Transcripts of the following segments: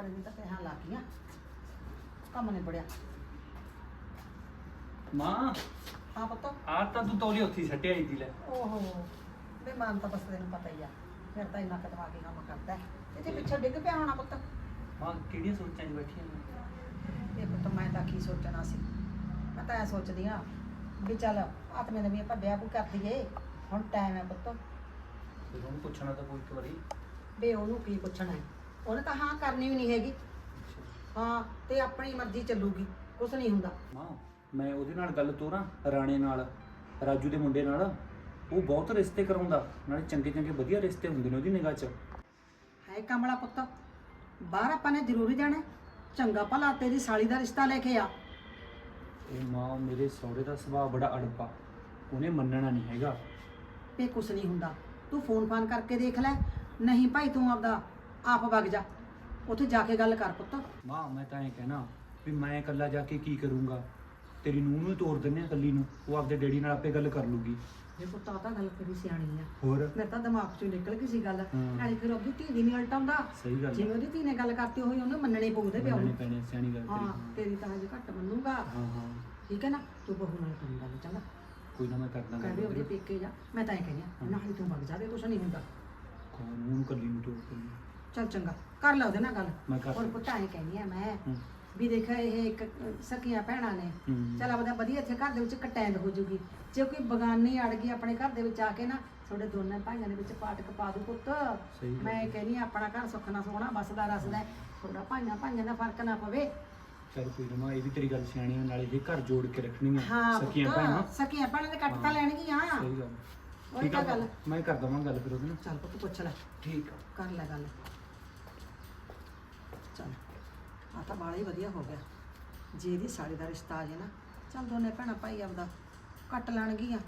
सारे दिन तक यहाँ लागियां ਕੰਮ ਨਹੀਂ ਬੜਿਆ। ਮਾਂ ਹਾਂ ਪੁੱਤ। ਆ ਤਾਂ ਤੂੰ ਤੌਲੀ ਉੱਥੇ ਹੀ ਸੱਟਿਆ ਆਈ ਦੀ ਲੈ। ਓਹੋ ਬੇ ਮਨ ਤਾਂ ਬਸ ਤੈਨੂੰ ਪਤਾ ਹੀ ਆ ਫਿਰ ਤਾਂ ਇੰਨਾ ਕੁ ਦਿਮਾਗੀ ਕੰਮ ਕਰਦਾ ਹੈ। ਇਹਦੇ ਪਿੱਛੇ ਡਿੱਗ ਪਿਆ ਹੋਣਾ ਪੁੱਤ। ਮਾਂ ਕਿਹੜੀਆਂ ਸੋਚਾਂ 'ਚ ਬੈਠੀ ਆਂ? ਇਹ ਪੁੱਤ ਮੈਂ ਤਾਂ ਕੀ ਸੋਚਣਾ ਸੀ, ਮੈਂ ਤਾਂ ਐ ਸੋਚਦੀ ਆ ਵੀ ਚੱਲ ਆਤਮੇ ਨੇ ਵੀ ਆਪਾਂ ਵਿਆਹ ਵੀ ਕਰ ਦਈਏ, ਹੁਣ ਟਾਈਮ ਹੈ ਪੁੱਤ। ਫਿਰ ਉਹਨੂੰ ਪੁੱਛਣਾ ਤਾਂ ਕੋਈ ਇੱਕ ਵਾਰੀ। ਬੇ ਉਹਨੂੰ ਕੀ ਪੁੱਛਣਾ ਹੈ, ਉਹਨੇ ਤਾਂ ਹਾਂ ਕਰਨੀ ਵੀ ਨਹੀਂ ਹੈਗੀ। ਹਾਂ ਤੇ ਆਪਣੀ ਮਰਜ਼ੀ ਚੱਲੂਗੀ, ਕੁਛ ਨਹੀਂ ਹੁੰਦਾ। ਮਾਂ ਮੈਂ ਉਹਦੇ ਨਾਲ ਗੱਲ ਤੋਰਾਂ, ਰਾਣੇ ਨਾਲ, ਰਾਜੂ ਦੇ ਮੁੰਡੇ ਨਾਲ। ਉਹ ਬਹੁਤ ਰਿਸ਼ਤੇ ਕਰਾਉਂਦਾ, ਨਾਲੇ ਚੰਗੇ ਚੰਗੇ ਵਧੀਆ ਰਿਸ਼ਤੇ ਹੁੰਦੇ ਨੇ ਉਹਦੀ ਨਿਗਾਹ 'ਚ। ਹੈ ਕਮਲਾ ਪੁੱਤ, ਬਾਹਰ ਆਪਾਂ ਨੇ ਜ਼ਰੂਰੀ ਜਾਣਾ, ਚੰਗਾ ਭਲਾ ਤੇਰੀ ਸਾਲੀ ਦਾ ਰਿਸ਼ਤਾ ਲੈ ਕੇ ਆ। ਇਹ ਮਾਂ ਮੇਰੇ ਸਹੁਰੇ ਦਾ ਸੁਭਾਅ ਬੜਾ ਅੜਪਾ, ਉਹਨੇ ਮੰਨਣਾ ਨਹੀਂ ਹੈਗਾ। ਵੀ ਕੁਛ ਨਹੀਂ ਹੁੰਦਾ, ਤੂੰ ਫੋਨ ਫਾਨ ਕਰਕੇ ਦੇਖ ਲੈ, ਨਹੀਂ ਭਾਈ ਤੂੰ ਆਪਦਾ ਆਪ ਵਗ ਜਾ, ਉੱਥੇ ਜਾ ਕੇ ਗੱਲ ਕਰ ਪੁੱਤ। ਮਾਂ ਮੈਂ ਤਾਂ ਇਹ ਕਹਿਣਾ ਵੀ ਮੈਂ ਇਕੱਲਾ ਜਾ ਕੇ ਕੀ ਕਰੂੰਗਾ, ਤੇਰੀ ਨੂੰਹ ਨੂੰ ਹੀ ਤੋਰ ਦਿੰਦੇ ਆ ਇਕੱਲੀ ਨੂੰ, ਉਹ ਆਪਦੇ ਡੈਡੀ ਨਾਲ ਆਪੇ ਗੱਲ ਕਰ ਲੂਗੀ। ਇਹ ਪੁੱਤ ਆ ਤਾਂ ਗੱਲ ਤੇਰੀ ਸਿਆਣੀ ਆ, ਹੋਰ ਮੇਰੇ ਤਾਂ ਦਿਮਾਗ ਚੋਂ ਨਿਕਲ ਗਈ ਸੀ ਗੱਲ। ਹਾਂ। ਨਾਲੇ ਫਿਰ ਉਹਦੀ ਧੀ ਦੀ ਨਹੀਂ ਉਲਟਾਉਂਦਾ, ਸਹੀ ਗੱਲ ਜਿਵੇਂ ਉਹਦੀ ਧੀ ਨੇ ਗੱਲ ਕਰਤੀ ਉਹੀ ਉਹਨੂੰ ਮੰਨਣੀ ਪਊਦੇ ਪਿਓ ਮੰਨਣੀ ਨੂੰ। ਪੈਣੀ, ਸਿਆਣੀ ਗੱਲ ਹਾਂ ਤੇਰੀ। ਤੇਰੀ ਤਾਂ ਹਜੇ ਘੱਟ ਮੰਨੂਗਾ, ਹਾਂ ਹਾਂ ਠੀਕ ਹੈ ਨਾ। ਤੂੰ ਬਹੂ ਨਾਲ ਕੰਮ ਗੱਲ ਚੰਗਾ, ਕੋਈ ਨਾ ਮੈਂ ਕਰਦਾ ਕਹਿੰਦੇ ਉਹਦੇ ਪੇਕੇ ਜਾ, ਮੈਂ ਤਾਂ ਇਹ ਕਹਿੰਦੀ ਆ ਨਾਲ ਹੀ ਤੂੰ ਵਗ ਜਾ, ਦੇ ਕੁਛ ਨਹੀਂ ਹੁੰਦਾ। ਨੂੰ ਕੱਲੀ ਨੂੰ ਤੋਰ ਦਿੰਦੀ। ਚੱਲ ਚੰਗਾ ਕਰ ਲੈ ਉਹਦੇ ਨਾਲ ਗੱਲ। ਮੈਂ ਕਰ ਹੁਣ ਪੁੱਤਾਂ ਇਹ ਕਹਿੰਦੀ ਆ ਮੈਂ ਹੂੰ। ਵੀ ਦੇਖ ਇਹ ਇੱਕ ਸਕੀਆਂ ਭੈਣਾਂ ਨੇ, ਹੂੰ। ਚੱਲ ਆਪਦਾ ਵਧੀਆ ਇੱਥੇ ਘਰ ਦੇ ਵਿੱਚ ਕਟੈਂਦ ਹੋ ਜੂਗੀ। ਜੇ ਕੋਈ ਬਗਾਨੀ ਅੜ ਗਈ ਆਪਣੇ ਘਰ ਦੇ ਵਿੱਚ ਆ ਕੇ ਨਾ, ਤੁਹਾਡੇ ਦੋਨੇ ਭਾਈਆਂ ਦੇ ਵਿੱਚ ਪਾਟਕ ਪਾ ਦੂ ਪੁੱਤ। ਸਹੀ ਗੱਲ। ਮੈਂ ਕਹਿੰਦੀ ਆ ਆਪਣਾ ਘਰ ਸੁੱਖ ਨਾਲ ਸੋਹਣਾ ਬਸਦਾ ਰਸਦਾ, ਥੋੜਾ ਭਾਈਆਂ ਦਾ ਫਰਕ ਨਾ ਪਵੇ। ਚੱਲ ਕੋਈ ਨਾ ਮਾਂ, ਇਹ ਵੀ ਤੇਰੀ ਗੱਲ ਸਿਆਣੀ ਆ, ਨਾਲੇ ਇਹ ਘਰ ਜੋੜ ਕੇ ਰੱਖਣੀ ਆ। ਹਾਂ ਸਕੀਆਂ ਭੈਣਾਂ। ਪੁੱਤ, ਸਕੀਆਂ ਭੈਣਾਂ ਦੇ ਕੱਟ ਤਾਂ ਲੈਣਗੀਆਂ। ਸਹੀ ਗੱਲ। ਉਹੀ ਠੀਕ ਤਾਂ ਆ ਗੱਲ। ਮੈਂ ਕਰ ਦਵਾਂ ਗੱਲ ਫਿਰ ਉਹਦੇ ਨਾਲ। ਚੱਲ ਪੁੱਤ ਪੁੱਛ ਲੈ, ਠੀਕ ਆ। ਕਰ ਲੈ ਗੱਲ। ਚੱਲ ਆ ਤਾਂ ਬਾਲਾ ਹੀ ਵਧੀਆ ਹੋ ਗਿਆ, ਜੇ ਇਹਦੀ ਸਾਲੀ ਦਾ ਰਿਸ਼ਤਾ ਆ ਜੇ ਨਾ, ਚੱਲ ਦੋਨੇ ਭੈਣਾਂ ਭਾਈ ਆਪਦਾ ਕੱਟ ਲੈਣਗੀਆਂ।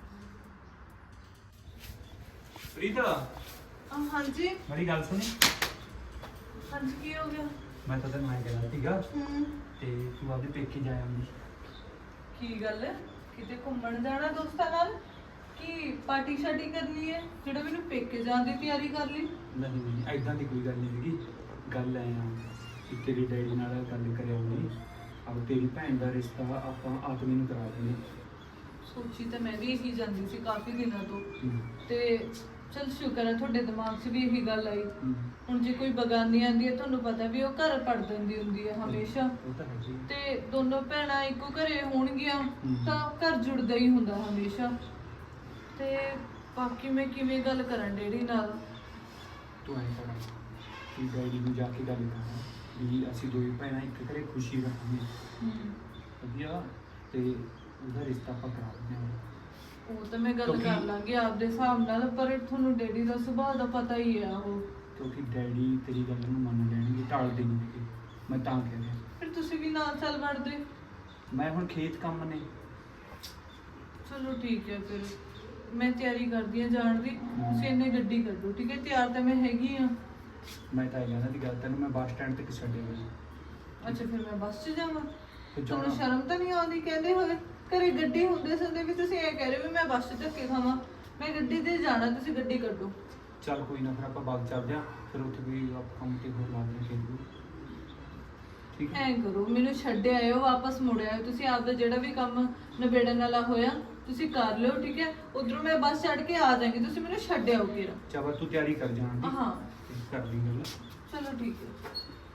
ਪ੍ਰੀਤ ਹਾਂਜੀ ਮੇਰੀ ਗੱਲ ਸੁਣੀ। ਹਾਂਜੀ ਕੀ ਹੋ ਗਿਆ? ਮੈਂ ਤਾਂ ਤੈਨੂੰ ਐਂ ਕਹਿਣਾ ਸੀਗਾ ਤੇ ਤੂੰ ਆਪਦੇ ਪੇਕੇ ਜਾ ਆਉਂਦੀ। ਕੀ ਗੱਲ ਹੈ? ਕਿਤੇ ਘੁੰਮਣ ਜਾਣਾ ਦੋਸਤਾਂ ਨਾਲ? ਕੀ ਪਾਰਟੀ ਸ਼ਾਰਟੀ ਕਰਨੀ ਹੈ ਜਿਹੜਾ ਮੈਨੂੰ ਪੇਕੇ ਜਾਣ ਦੀ ਤਿਆਰੀ ਕਰ ਲਈ? ਨਹੀਂ ਨਹੀਂ ਐਦਾਂ ਦੀ ਕੋਈ ਗੱਲ ਨਹੀਂ ਹੈਗੀ। ਗੱਲ ਐ ਆ ਕਿ ਤੇਰੀ ਡੈਡੀ ਨਾਲ ਗੱਲ ਕਰਿਆ ਉਹਨੇ, ਅਬ ਤੇਰੀ ਭੈਣ ਦਾ ਰਿਸ਼ਤਾ ਆਪਾਂ ਆਤਮੀ ਨੂੰ ਕਰਾ ਦਿੰਦੇ। ਸੋਚੀ ਤਾਂ ਮੈਂ ਵੀ ਇਹੀ ਜਾਂਦੀ ਸੀ ਕਾਫੀ ਦਿਨਾਂ ਤੋਂ, ਹੂੰ। ਤੇ ਚਲ ਸ਼ੁਕਰ ਹੈ ਤੁਹਾਡੇ ਦਿਮਾਗ 'ਚ ਵੀ ਇਹੀ ਗੱਲ ਆਈ। ਹੂੰ। ਹੁਣ ਜੇ ਕੋਈ ਬਗਾਨੀ ਆਂਦੀ ਹੈ, ਤੁਹਾਨੂੰ ਪਤਾ ਵੀ ਉਹ ਘਰ ਪੜ ਦਿੰਦੀ ਹੁੰਦੀ ਹੈ ਹਮੇਸ਼ਾ, ਉਹ ਤਾਂ ਹੈ ਜੀ। ਤੇ ਦੋਨੋਂ ਭੈਣਾਂ ਇੱਕੋ ਘਰੇ ਹੋਣਗੀਆਂ ਹੂੰ। ਤਾਂ ਘਰ ਜੁੜਦਾ ਹੀ ਹੁੰਦਾ ਹਮੇਸ਼ਾ। ਤੇ ਬਾਕੀ ਮੈਂ ਕਿਵੇਂ ਗੱਲ ਕਰਾਂ ਡੈਡੀ ਨਾਲ? ਤੂੰ ਐਂ ਕਰ ਕਿ ਡੈਡੀ ਨੂੰ ਜਾ ਕੇ ਗੱਲ ਕਰ ਵੀ ਅਸੀਂ ਦੋਵੇਂ ਭੈਣਾਂ ਇੱਕ ਘਰੇ ਖੁਸ਼ੀ ਰੱਖਾਂਗੇ ਵਧੀਆ, ਤੇ ਉਹਦਾ ਰਿਸ਼ਤਾ ਆਪਾਂ ਕਰਾ ਦਿੰਦੇ ਹਾਂ। ਉਹ ਤਾਂ ਮੈਂ ਗੱਲ ਕਿਉਂਕਿ- ਕਰ ਲਾਂਗੀ ਆਪਦੇ ਹਿਸਾਬ ਨਾਲ, ਪਰ ਤੁਹਾਨੂੰ ਡੈਡੀ ਦਾ ਸੁਭਾਅ ਦਾ ਪਤਾ ਹੀ ਆ ਉਹ। ਕਿਉਂਕਿ ਡੈਡੀ ਤੇਰੀ ਗੱਲ ਨੂੰ ਮੰਨ ਲੈਣਗੇ, ਟਾਲਦੇ ਨਹੀਂ ਹੈਗੇ। ਮੈਂ ਤਾਂ ਕਹਿ ਰਿਹਾ ਫਿਰ ਤੁਸੀਂ ਵੀ ਨਾਲ ਚੱਲ ਵੜਦੇ। ਮੈਂ ਹੁਣ ਖੇਤ ਕੰਮ ਨੇ। ਚਲੋ ਠੀਕ ਹੈ, ਫਿਰ ਮੈਂ ਤਿਆਰੀ ਕਰਦੀ ਹਾਂ ਜਾਣ ਦੀ। ਤੁਸੀਂ ਇੰਨੇ ਗੱਡੀ ਕੱਢੋ, ਠੀਕ ਹੈ? ਤਿਆਰ ਤਾਂ ਮੈਂ ਹੈਗੀ ਆ। ਮੈਂ ਤਾਂ ਇਹ ਕਹਿੰਦਾ ਦੀ ਗੱਲ ਤੈਨੂੰ ਮੈਂ ਬੱਸ ਸਟੈਂਡ ਤੱਕ ਛੱਡਿਆ ਹੋਇਆ। ਅੱਛਾ ਫਿਰ ਮੈਂ ਬੱਸ 'ਚ ਜਾਵਾਂ? ਤੇ ਤੁਹਾਨੂੰ ਜਾਣਾ ਸ਼ਰਮ ਤਾਂ ਨਹੀਂ ਆਉਂਦੀ ਕਹਿੰਦੇ ਹੋਏ? ਘਰੇ ਗੱਡੀ ਹੁੰਦੇ ਸੰਦੇ ਵੀ ਤੁਸੀਂ ਇਹ ਕਹਿ ਰਹੇ ਹੋ ਵੀ ਮੈਂ ਬੱਸ 'ਚ ਧੱਕੇ ਖਾਵਾਂ? ਮੈਂ ਗੱਡੀ ਤੇ ਜਾਣਾ, ਤੁਸੀਂ ਗੱਡੀ ਕੱਢੋ। ਚੱਲ ਕੋਈ ਨਾ, ਫਿਰ ਆਪਾਂ ਬਾਗ ਚੱਲਦੇ ਹਾਂ, ਫਿਰ ਉੱਥੇ ਵੀ ਆਪਾਂ ਕੰਮ ਤੇ ਹੋਰ ਲਾਉਂਦੇ ਹਾਂ ਖੇਤ ਨੂੰ। ਠੀਕ ਹੈ। ਐਂ ਕਰੋ, ਮੈਨੂੰ ਛੱਡ ਆਇਓ, ਵਾਪਸ ਮੁੜ ਆਇਓ। ਤੁਸੀਂ ਆਪਦਾ ਜਿਹੜਾ ਵੀ ਕੰਮ ਨਿਬੇੜਨ ਵਾਲਾ ਹੋਇਆ ਤੁਸੀਂ ਕਰ ਲਿਓ, ਠੀਕ ਹੈ? ਉਧਰੋਂ ਮੈਂ ਬੱਸ ਚੜ੍ਹ ਕੇ ਆ ਜਾਵਾਂਗੀ, ਤੁਸੀਂ ਮੈਨੂੰ ਛੱਡ ਆਓ ਕਿਰਾ। ਚੱਲ ਤੂੰ ਤਿਆਰੀ ਕਰ ਜਾਣ ਦੀ। ਹਾਂ ਤੇ ਕਰ ਲਈ ਗੱਲ। ਚਲੋ ਠੀਕ ਹੈ।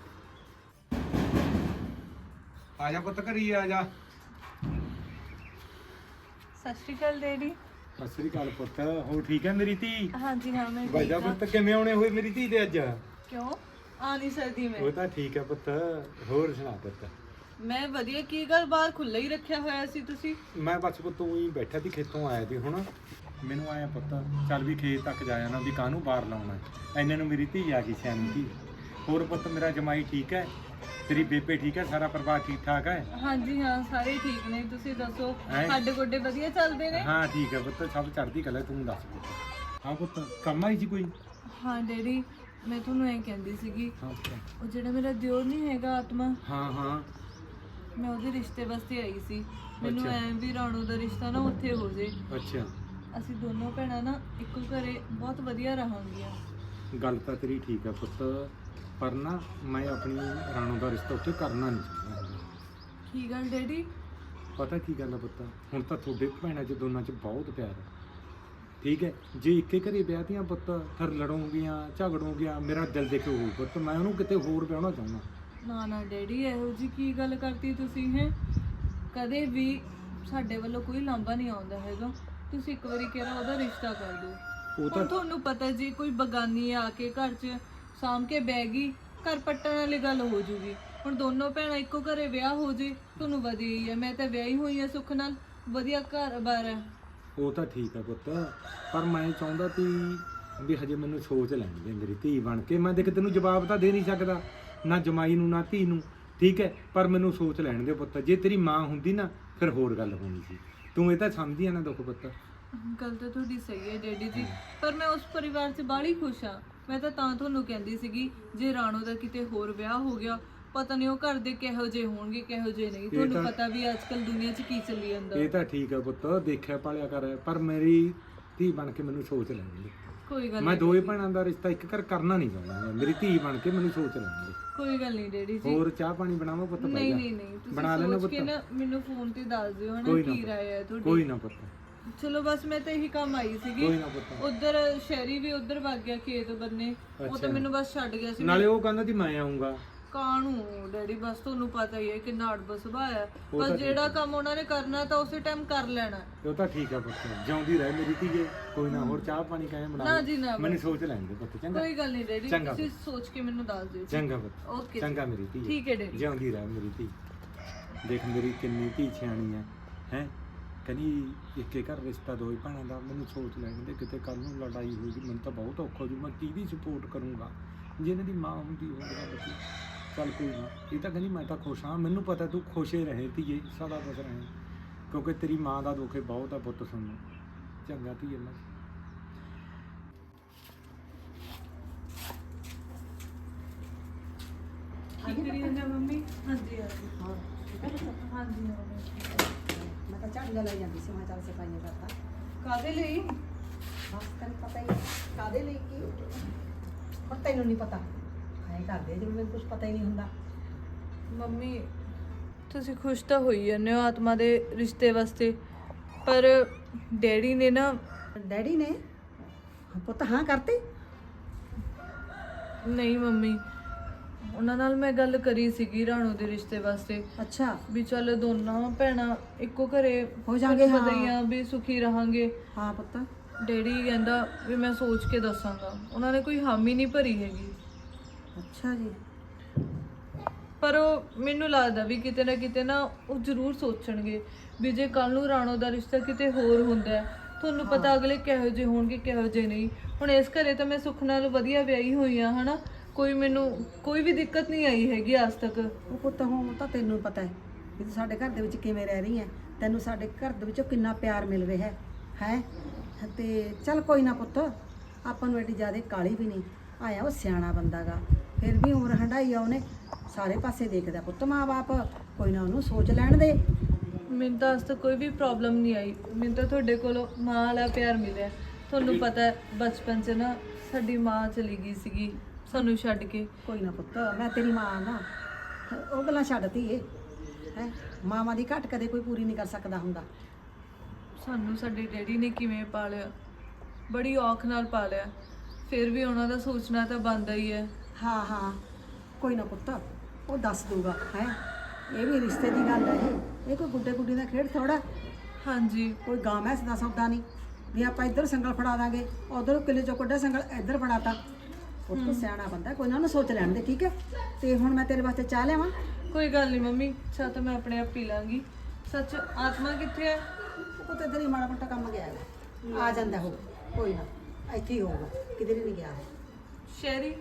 ਆ ਜਾ ਪੁੱਤ ਘਰੀ ਆ ਜਾ। ਸਤਿ ਸ਼੍ਰੀ ਅਕਾਲ ਡੈਡੀ। ਸਤਿ ਸ੍ਰੀ ਅਕਾਲ ਪੁੱਤ, ਹੋ ਠੀਕ ਹੈ ਮੇਰੀ ਧੀ? ਹਾਂਜੀ ਹਾਂ ਮੈਂ ਬਾਜਾ ਠੀਕ ਹਾਂ। ਪੁੱਤ ਕਿਵੇਂ ਆਉਣੇ ਹੋਏ ਮੇਰੀ ਧੀ ਦੇ ਅੱਜ? ਕਿਉਂ ਆ ਨਹੀਂ ਸਕਦੀ ਮੈਂ? ਉਹ ਤਾਂ ਠੀਕ ਹੈ ਪੁੱਤ, ਹੋਰ ਸੁਣਾ ਪੁੱਤ? ਮੈਂ ਵਧੀਆ। ਕੀ ਗੱਲ ਬਾਹਰ ਖੁੱਲ੍ਹਾ ਹੀ ਰੱਖਿਆ ਹੋਇਆ ਸੀ ਤੁਸੀਂ? ਮੈਂ ਬਸ ਪੁੱਤ ਉਹੀ ਬੈਠਾ ਸੀ, ਖੇਤੋਂ ਆਇਆ ਸੀ ਹੁਣ। ਮੈਨੂੰ ਆਇਆ ਪੁੱਤ ਚੱਲ ਵੀ ਖੇਤ ਤੱਕ ਜਾਇਆ ਨਾ, ਵੀ ਕਾਹਨੂੰ ਬਾਹਰ ਲਾਉਣਾ। ਐਨੇ ਨੂੰ ਮੇਰੀ ਧੀ ਆ ਗਈ, ਸਿਆਣੀ ਧੀ। ਹੋਰ ਪੁੱਤ ਮੇਰਾ ਜਮਾਈ ਠੀਕ ਹੈ? ਤੇਰੀ ਬੇਬੇ ਠੀਕ ਹੈ? ਸਾਰਾ ਪਰਿਵਾਰ ਠੀਕ ਠਾਕ ਹੈ? ਹਾਂਜੀ ਹਾਂ ਸਾਰੇ ਠੀਕ ਨੇ। ਤੁਸੀਂ ਦੱਸੋ ਹੈਂ? ਸਾਡੇ ਗੋਡੇ ਵਧੀਆ ਚੱਲਦੇ ਨੇ? ਹਾਂ ਠੀਕ ਹੈ ਪੁੱਤ, ਸਭ ਚੜ੍ਹਦੀ ਕਲਾ। ਤੂੰ ਦੱਸ ਪੁੱਤ। ਹਾਂ ਪੁੱਤ ਕੰਮ ਆਈ ਸੀ ਕੋਈ? ਹਾਂ ਡੈਡੀ, ਮੈਂ ਤੁਹਾਨੂੰ ਐਂ ਕਹਿੰਦੀ ਸੀਗੀ, ਹਾਂ ਪੁੱਤ। ਉਹ ਜਿਹੜਾ ਮੇਰਾ ਦਿਓਰ ਨਹੀਂ ਹੈਗਾ ਆਤਮਾ, ਹਾਂ ਹਾਂ ਮੈਂ ਉਹਦੇ ਰਿਸ਼ਤੇ ਵਾਸਤੇ ਆਈ ਸੀ। ਮੈਨੂੰ ਅੱਛਾ। ਐਂ ਵੀ ਰਾਣੋ ਦਾ ਰਿਸ਼ਤਾ ਨਾ ਉੱਥੇ ਹੋ ਜੇ। ਅੱਛਾ, ਅਸੀਂ ਦੋਨੋਂ ਭੈਣਾਂ ਨਾ ਇੱਕੋ ਘਰੇ ਬਹੁਤ ਵਧੀਆ ਰਹਾਂਗੀਆਂ। ਗੱਲ ਤਾਂ ਤੇਰੀ ਠੀਕ ਹੈ ਪੁੱਤ, ਪਰ ਨਾ ਮੈਂ ਆਪਣੀ ਰਾਣੋ ਦਾ ਰਿਸ਼ਤਾ ਉੱਥੇ ਕਰਨਾ ਨਹੀਂ ਚਾਹੁੰਦਾ ਹੈਗਾ। ਕੀ ਗੱਲ ਡੈਡੀ? ਪਤਾ ਕੀ ਗੱਲ ਆ ਪੁੱਤ, ਹੁਣ ਤਾਂ ਤੁਹਾਡੇ ਭੈਣਾਂ 'ਚ ਦੋਨਾਂ 'ਚ ਬਹੁਤ ਪਿਆਰ ਹੈ, ਠੀਕ ਹੈ। ਜੇ ਇੱਕੇ ਘਰੇ ਵਿਆਹਤੀਆਂ ਪੁੱਤ ਫਿਰ ਲੜੋਗੀਆਂ ਝਗੜੋਗੀਆਂ, ਮੇਰਾ ਦਿਲ ਦੇਖੋ ਹੋਊ ਪੁੱਤ, ਮੈਂ ਉਹਨੂੰ ਕਿਤੇ ਹੋਰ ਵਿਆਹਣਾ ਚਾਹੁੰਦਾ। ਨਾ ਨਾ ਡੈਡੀ, ਇਹੋ ਜੀ ਕੀ ਗੱਲ ਕਰਤੀ ਤੁਸੀਂ ਹੈ? ਕਦੇ ਵੀ ਸਾਡੇ ਵੱਲੋਂ ਕੋਈ ਲਾਂਭਾ ਨਹੀਂ ਆਉਂਦਾ ਹੈਗਾ। ਤੁਸੀਂ ਇੱਕ ਵਾਰੀ ਕਿਹਾ ਉਹਦਾ ਰਿਸ਼ਤਾ ਕਰ ਦਿਓ। ਉਹ ਹੁਣ ਤਾਂ ਤੁਹਾਨੂੰ ਪਤਾ ਜੀ, ਕੋਈ ਬਗਾਨੀ ਆ ਕੇ ਘਰ 'ਚ ਸਾਂਭ ਕੇ ਬਹਿ ਗਈ, ਘਰ ਪੱਟਣ ਵਾਲੀ ਗੱਲ ਹੋ ਜੂਗੀ। ਹੁਣ ਦੋਨੋਂ ਭੈਣਾਂ ਇੱਕੋ ਘਰੇ ਵਿਆਹ ਹੋ ਜੇ, ਤੁਹਾਨੂੰ ਵਧੀਆ ਹੀ ਹੈ। ਮੈਂ ਤਾਂ ਵਿਆਹੀ ਹੋਈ ਹਾਂ ਸੁੱਖ ਨਾਲ, ਵਧੀਆ ਘਰ-ਬਾਰ ਹੈ। ਉਹ ਤਾਂ ਠੀਕ ਹੈ ਪੁੱਤ, ਪਰ ਮੈਂ ਚਾਹੁੰਦਾ ਸੀ ਵੀ ਹਜੇ ਮੈਨੂੰ ਸੋਚ ਲੈਣ ਦੇ ਮੇਰੀ ਧੀ ਬਣ ਕੇ। ਮੈਂ ਦੇਖ ਤੈਨੂੰ ਜਵਾਬ ਤਾਂ ਦੇ ਨਹੀਂ ਸਕਦਾ, ਨਾ ਜਮਾਈ ਨੂੰ ਨਾ ਧੀ ਨੂੰ, ਠੀਕ ਹੈ, ਪਰ ਮੈਨੂੰ ਸੋਚ ਲੈਣ ਦੇ ਪੁੱਤ। ਜੇ ਤੇਰੀ ਮਾਂ ਹੁੰਦੀ ਨਾ ਫਿਰ ਹੋਰ ਗੱਲ ਹੋਣੀ ਸੀ। ਤੂੰ ਇਹ ਤਾਂ ਸਮਝਦੀ ਆ ਨਾ ਦੁੱਖ ਪੁੱਤ। ਗੱਲ ਤਾਂ ਤੁਹਾਡੀ ਸਹੀ ਹੈ ਡੈਡੀ ਜੀ, ਪਰ ਮੈਂ ਉਸ ਪਰਿਵਾਰ 'ਚ ਬਾਹਲੀ ਖੁਸ਼ ਹਾਂ। ਮੈਂ ਤਾਂ ਤੁਹਾਨੂੰ ਕਹਿੰਦੀ ਸੀਗੀ, ਜੇ ਰਾਣੋ ਦਾ ਕਿਤੇ ਹੋਰ ਵਿਆਹ ਹੋ ਗਿਆ, ਪਤਾ ਨਹੀਂ ਉਹ ਘਰ ਦੇ ਕਿਹੋ ਜਿਹੇ ਹੋਣਗੇ ਕਿਹੋ ਜਿਹੇ ਨਹੀਂ। ਤੁਹਾਨੂੰ ਪਤਾ ਵੀ ਅੱਜ ਕੱਲ ਦੁਨੀਆ 'ਚ ਕੀ ਚੱਲੀ ਜਾਂਦਾ। ਇਹ ਤਾਂ ਠੀਕ ਹੈ ਪੁੱਤ, ਦੇਖਿਆ ਪਾਲਿਆ ਕਰ, ਪਰ ਮੇਰੀ ਧੀ ਬਣ ਕੇ ਮੈਨੂੰ ਸੋਚ ਲੈਣ ਦੇ। ਕੋਈ ਗੱਲ ਮੈਂ ਨਹੀਂ, ਦੋਵੇਂ ਭੈਣਾਂ ਦਾ ਰਿਸ਼ਤਾ ਇੱਕ ਘਰ ਕਰਨਾ ਨਹੀਂ ਚਾਹੁੰਦਾ। ਮੇਰੀ ਧੀ ਬਣ ਕੇ ਮੈਨੂੰ ਸੋਚ ਲੈਣ ਦੇ। ਕੋਈ ਗੱਲ ਨਹੀਂ ਡੈਡੀ ਜੀ। ਹੋਰ ਚਾਹ ਪਾਣੀ ਬਣਾਵਾਂ ਪੁੱਤ? ਨਹੀਂ ਪਹਿਲਾਂ ਨਹੀਂ ਨਹੀਂ, ਬਣਾ ਤੁਸੀਂ ਲੈਣਾ ਸੋਚ ਕੇ ਪੁੱਤ। ਨਾ ਮੈਨੂੰ ਫੋਨ ਤੇ ਦੱਸ ਦਿਓ ਹਨਾ ਕੋਈ ਨਾ ਕੀ ਪੁੱਤ। ਰਾਏ ਹੈ ਕੋਈ ਤੁਹਾਡੀ। ਨਾ ਪੁੱਤ, ਚਲੋ ਬਸ ਮੈਂ ਤਾਂ ਇਹੀ ਕੰਮ ਆਈ ਸੀਗੀ। ਕੋਈ ਨਾ ਪੁੱਤ। ਉਧਰ ਸ਼ਹਿਰੀ ਵੀ ਉਧਰ ਵਗ ਗਿਆ ਖੇਤ ਬੰਨੇ, ਉਹ ਤਾਂ ਮੈਨੂੰ ਬਸ ਛੱਡ ਗਿਆ ਸੀ। ਨਾਲੇ ਉਹ ਕਹਿੰਦਾ ਸੀ ਮੈਂ ਆਉਂਗਾ। ਕਾਹਨੂੰ ਡੈਡੀ, ਬਸ ਤੁਹਾਨੂੰ ਪਤਾ ਹੀ ਹੈ ਕਿੰਨਾ ਅੜਬ ਸੁਭਾਅ ਹੈ। ਉਹ ਬਸ ਤਾਂ ਜਿਹੜਾ ਕੰਮ ਉਹਨਾਂ ਨੇ ਕਰਨਾ ਤਾਂ ਉਸੇ ਟਾਈਮ ਕਰ ਲੈਣਾ। ਉਹ ਤਾਂ ਠੀਕ ਹੈ ਪੁੱਤ, ਜਿਉਂਦੀ ਰਹਿ ਮੇਰੀ ਧੀਏ। ਕੋਈ ਨਾ, ਹੋਰ ਚਾਹ ਪਾਣੀ ਕਾਹੇ ਬਣਾ ਨਾ ਲੈ। ਜੀ ਨਾ, ਮੈਨੂੰ ਸੋਚ ਲੈਣ ਦੇ ਪੁੱਤ, ਚੰਗਾ? ਕੋਈ ਗੱਲ ਨਹੀਂ ਡੈਡੀ, ਚੰਗਾ ਤੁਸੀਂ ਸੋਚ ਕੇ ਮੈਨੂੰ ਦੱਸ ਦਿਓ ਜੀ। ਚੰਗਾ ਪੁੱਤ, ਓਕੇ ਚੰਗਾ ਮੇਰੀ ਧੀ। ਠੀਕ ਹੈ ਡੈਡੀ। ਜਿਉਂਦੀ ਰਹਿ ਮੇਰੀ ਧੀ। ਦੇਖ ਮੇਰੀ ਕਿੰਨੀ ਧੀ ਸਿਆਣੀ ਹੈ, ਹੈ ਕਹਿੰਦੀ ਇੱਕੇ ਘਰ ਰਿਸ਼ਤਾ ਦੋਈ ਭੈਣਾਂ ਦਾ। ਮੈਨੂੰ ਸੋਚ ਲੈਣ ਦੇ, ਕਿਤੇ ਕੱਲ ਨੂੰ ਲੜਾਈ ਹੋਊਗੀ ਮੈਨੂੰ ਤਾਂ ਬਹੁਤ ਔਖਾ ਜੂ। ਮੈਂ ਕਿਹਦੀ ਸਪੋਰਟ ਕਰੂੰਗਾ? ਜੇ ਇਹਨਾਂ ਦੀ ਮਾਂ ਹੁੰਦੀ ਹੋਵੇਗਾ ਬੱਚੀ, ਚੱਲ ਕੋਈ ਨਾ। ਇਹ ਤਾਂ ਕਹਿੰਦੀ ਮੈਂ ਤਾਂ ਖੁਸ਼ ਹਾਂ, ਮੈਨੂੰ ਪਤਾ ਤੂੰ ਖੁਸ਼ ਹੀ ਰਹੇ ਧੀਏ, ਸਦਾ ਖੁਸ਼ ਰਹੇ, ਕਿਉਂਕਿ ਤੇਰੀ ਮਾਂ ਦਾ ਦੁੱਖ ਬਹੁਤ ਆ ਪੁੱਤ ਸੁਣਨਾ। ਚੰਗਾ ਧੀਏ। ਮੈਂ ਕੀ ਕਰੀ ਜਾਂਦੇ ਹੋ ਮੰਮੀ? ਹਾਂਜੀ ਹਾਂਜੀ ਹਾਂ ਠੀਕ ਹੈ ਪੁੱਤ? ਹਾਂਜੀ ਮੈਂ ਤਾਂ ਝਾੜੀਆਂ ਲਾਈ ਜਾਂਦੀ ਸੀ, ਮੈਂ ਚੱਲ ਸਫਾਈਆਂ ਕਰਤਾ। ਕਾਹਦੇ ਲਈ? ਬਸ ਤੈਨੂੰ ਪਤਾ ਹੀ ਹੈ ਕਾਹਦੇ ਲਈ ਕੀ ਹੁਣ ਤੈਨੂੰ ਨਹੀਂ ਪਤਾ। ਐਂ ਕਰਦੇ ਜਿਵੇਂ ਮੈਨੂੰ ਕੁਝ ਪਤਾ ਹੀ ਨਹੀਂ ਹੁੰਦਾ। ਮੰਮੀ ਤੁਸੀਂ ਖੁਸ਼ ਤਾਂ ਹੋਈ ਜਾਂਦੇ ਹੋ ਆਤਮਾ ਦੇ ਰਿਸ਼ਤੇ ਵਾਸਤੇ, ਪਰ ਡੈਡੀ ਨੇ ਨਾ, ਡੈਡੀ ਨੇ ਪੁੱਤ ਹਾਂ ਕਰਤੀ? ਨਹੀਂ ਮੰਮੀ, ਉਹਨਾਂ ਨਾਲ ਮੈਂ ਗੱਲ ਕਰੀ ਸੀਗੀ ਰਾਣੋ ਦੇ ਰਿਸ਼ਤੇ ਵਾਸਤੇ, ਅੱਛਾ ਵੀ ਚੱਲ ਦੋਨਾਂ ਭੈਣਾਂ ਇੱਕੋ ਘਰੇ ਹੋ ਜਾਣਗੇ, ਤੁਹਾਨੂੰ ਪਤਾ ਹਾਂ। ਹੀ ਆ ਵੀ ਸੁਖੀ ਰਹਾਂਗੇ। ਹਾਂ ਪੁੱਤ। ਡੈਡੀ ਕਹਿੰਦਾ ਵੀ ਮੈਂ ਸੋਚ ਕੇ ਦੱਸਾਂਗਾ। ਉਹਨਾਂ ਨੇ ਕੋਈ ਹਾਮੀ ਨਹੀਂ ਭਰੀ ਹੈਗੀ, ਅੱਛਾ ਜੀ। ਪਰ ਉਹ ਮੈਨੂੰ ਲੱਗਦਾ ਵੀ ਕਿਤੇ ਨਾ ਕਿਤੇ ਨਾ ਉਹ ਜ਼ਰੂਰ ਸੋਚਣਗੇ ਵੀ ਜੇ ਕੱਲ ਨੂੰ ਰਾਣੋ ਦਾ ਰਿਸ਼ਤਾ ਕਿਤੇ ਹੋਰ ਹੁੰਦਾ ਹੈ, ਤੁਹਾਨੂੰ ਪਤਾ ਅਗਲੇ ਕਿਹੋ ਜਿਹੇ ਹੋਣਗੇ ਕਿਹੋ ਜਿਹੇ ਨਹੀਂ। ਹੁਣ ਇਸ ਘਰੇ ਤਾਂ ਮੈਂ ਸੁੱਖ ਨਾਲ ਵਧੀਆ ਵਿਆਹੀ ਹੋਈ ਆ ਹਨਾ, ਮੈਨੂੰ ਕੋਈ ਵੀ ਦਿੱਕਤ ਨਹੀਂ ਆਈ ਹੈਗੀ ਅੱਜ ਤੱਕ। ਉਹ ਪੁੱਤ ਹੁਣ ਤਾਂ ਤੈਨੂੰ ਪਤਾ ਹੈ ਵੀ ਤੂੰ ਸਾਡੇ ਘਰ ਦੇ ਵਿੱਚ ਕਿਵੇਂ ਰਹਿ ਰਹੀ ਹੈ, ਤੈਨੂੰ ਸਾਡੇ ਘਰ ਦੇ ਵਿੱਚੋਂ ਕਿੰਨਾ ਪਿਆਰ ਮਿਲ ਰਿਹਾ ਹੈ ਤੇ ਚੱਲ ਕੋਈ ਨਾ ਪੁੱਤ, ਆਪਾਂ ਨੂੰ ਐਡੀ ਜ਼ਿਆਦਾ ਕਾਹਲੀ ਵੀ ਨਹੀਂ। ਆਇਆ ਉਹ ਸਿਆਣਾ ਬੰਦਾ ਗਾ, ਫਿਰ ਵੀ ਉਮਰ ਹੰਢਾਈ ਆ ਉਹਨੇ, ਸਾਰੇ ਪਾਸੇ ਦੇਖਦਾ ਪੁੱਤ ਮਾਂ-ਬਾਪ, ਕੋਈ ਨਾ ਉਹਨੂੰ ਸੋਚ ਲੈਣ ਦੇ। ਮੈਨੂੰ ਤਾਂ ਅੱਜ ਤੱਕ ਕੋਈ ਵੀ ਪ੍ਰੋਬਲਮ ਨਹੀਂ ਆਈ। ਮੈਨੂੰ ਤਾਂ ਤੁਹਾਡੇ ਕੋਲੋਂ ਮਾਂ ਵਾਲਾ ਪਿਆਰ ਮਿਲਿਆ। ਤੁਹਾਨੂੰ ਪਤਾ ਹੈ ਬਚਪਨ 'ਚ ਨਾ ਸਾਡੀ ਮਾਂ ਚਲੀ ਗਈ ਸੀਗੀ ਸਾਨੂੰ ਛੱਡ ਕੇ। ਕੋਈ ਨਾ ਪੁੱਤ, ਮੈਂ ਤੇਰੀ ਮਾਂ ਨਾ, ਉਹ ਗੱਲਾਂ ਛੱਡਤੀ ਏ ਹੈ। ਮਾਵਾਂ ਦੀ ਘਟ ਕਦੇ ਕੋਈ ਪੂਰੀ ਨਹੀਂ ਕਰ ਸਕਦਾ ਹੁੰਦਾ। ਸਾਨੂੰ ਸਾਡੇ ਡੈਡੀ ਨੇ ਕਿਵੇਂ ਪਾਲਿਆ, ਬੜੀ ਔਖ ਨਾਲ ਪਾਲਿਆ, ਫਿਰ ਵੀ ਉਹਨਾਂ ਦਾ ਸੋਚਣਾ ਤਾਂ ਬਣਦਾ ਹੀ ਹੈ। ਹਾਂ ਹਾਂ ਕੋਈ ਨਾ ਪੁੱਤ, ਉਹ ਦੱਸ ਦੂਗਾ ਹੈ। ਇਹ ਵੀ ਰਿਸ਼ਤੇ ਦੀ ਗੱਲ ਹੈ, ਇਹ ਕੋਈ ਗੁੱਡੇ ਗੁੱਡੀ ਦਾ ਖੇਡ ਥੋੜਾ। ਹਾਂਜੀ ਕੋਈ ਗਾਂ ਮੈਸ ਦਾ ਸੌਦਾ ਨਹੀਂ ਵੀ ਆਪਾਂ ਇੱਧਰ ਸੰਗਲ ਫੜਾ ਦਾਂਗੇ, ਉਧਰ ਕਿਲੇ ਚੋਂ ਕੱਢਿਆ ਸੰਗਲ ਇੱਧਰ ਫੜਾਤਾ। ਪੁੱਤ ਸਿਆਣਾ ਬੰਦਾ, ਕੋਈ ਨਾ ਉਹਨੂੰ ਸੋਚ ਲੈਣ ਦੇ, ਠੀਕ ਹੈ। ਤੇ ਹੁਣ ਮੈਂ ਤੇਰੇ ਵਾਸਤੇ ਚਾਹ ਲਿਆਵਾਂ? ਕੋਈ ਗੱਲ ਨਹੀਂ ਮੰਮੀ, ਚਾਹ ਤਾਂ ਮੈਂ ਆਪਣੇ ਆਪ ਪੀ ਲਾਂਗੀ। ਸੱਚ ਆਤਮਾ ਕਿੱਥੇ ਹੈ? ਉਹ ਤਾਂ ਇੱਧਰ ਹੀ ਮਾੜਾ ਮੋਟਾ ਕੰਮ ਗਿਆ ਹੈ, ਆ ਜਾਂਦਾ ਹੋ, ਕੋਈ ਨਾ ਇੱਥੇ ਹੀ ਹੋਊਗਾ, ਕਿਧਰ ਹੀ ਨਹੀਂ ਗਿਆ ਉਹ। ਸ਼ਹਿਰੀ